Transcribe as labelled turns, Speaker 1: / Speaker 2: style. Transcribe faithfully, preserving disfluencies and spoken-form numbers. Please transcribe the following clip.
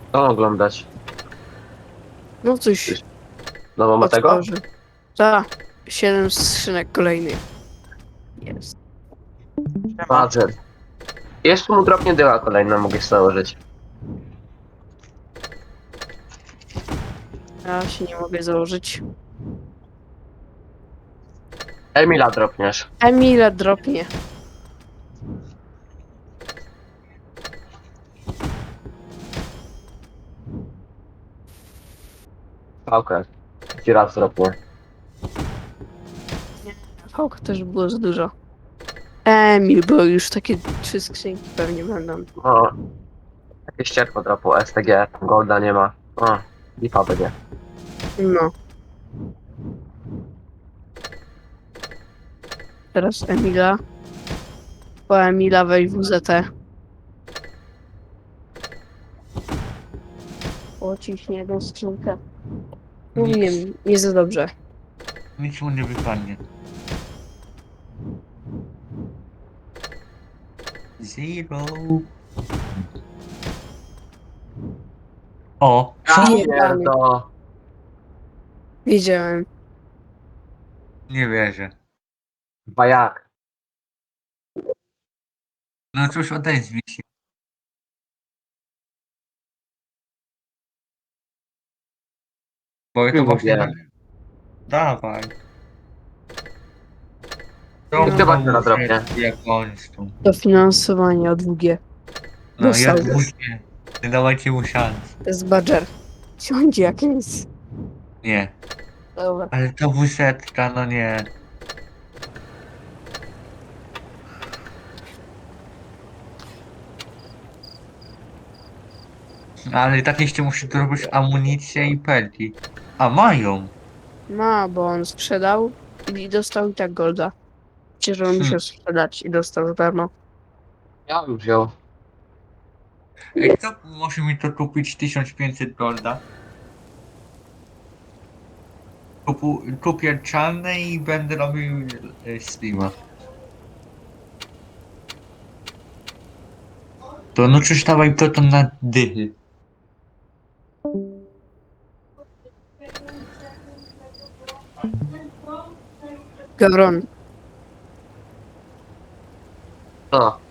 Speaker 1: To oglądać.
Speaker 2: No coś
Speaker 1: Nową ma tego?
Speaker 2: otworzy. Ta, siedem skrzynek kolejnych. Jest.
Speaker 3: Siema.
Speaker 1: Badger. Jeszcze mu dropnie dyła kolejna, mogę sobie założyć.
Speaker 2: Ja się nie mogę założyć.
Speaker 1: Emila dropniesz.
Speaker 2: Emila dropnie.
Speaker 1: Pałkę. Ci raz dropnie.
Speaker 2: Fałka też było za dużo. Emil, bo już takie trzy skrzynki pewnie będą.
Speaker 1: O. Jakieś cierpło dropu. S T G. Golda nie ma. O. Lipa będzie.
Speaker 2: No. Teraz Emila. Po Emila weź W Z T. O, ciśnie jedną skrzynkę. Mówiłem,
Speaker 3: Nic,
Speaker 2: nie za dobrze.
Speaker 3: nic mu nie wypadnie. Zero. O, co?
Speaker 2: Nie.
Speaker 1: Pierdo.
Speaker 2: Wiedziałem.
Speaker 3: Nie wierzę.
Speaker 1: Chyba jak?
Speaker 3: No cóż, odezwij się. Bo ja to
Speaker 1: Nie
Speaker 3: właśnie...
Speaker 1: mówię.
Speaker 3: Dawaj.
Speaker 2: No.
Speaker 3: To
Speaker 1: Chyba
Speaker 3: no,
Speaker 1: się na drobnie.
Speaker 3: jak kończą.
Speaker 2: Dofinansowanie o długie.
Speaker 3: No
Speaker 2: Dostał.
Speaker 3: ja dwójkę. Nie dawajcie mu szans.
Speaker 2: To jest badger. Siądzie jak nic.
Speaker 3: Nie.
Speaker 2: Dobra.
Speaker 3: Ale to wusetka, no nie. Ale i tak jeszcze musi zrobić amunicję i pelki. A mają.
Speaker 2: Ma, bo on sprzedał i dostał i tak golda. Przecież on
Speaker 3: Hmm.
Speaker 2: musiał sprzedać i dostał za darmo.
Speaker 1: Ja bym wziął.
Speaker 3: Ej, kto może mi to kupić tysiąc pięćset golda? Kupu, kupię czarne i będę robił e, streama. To no czyż dawaj to tam na dychy.
Speaker 2: Gawron,
Speaker 1: O.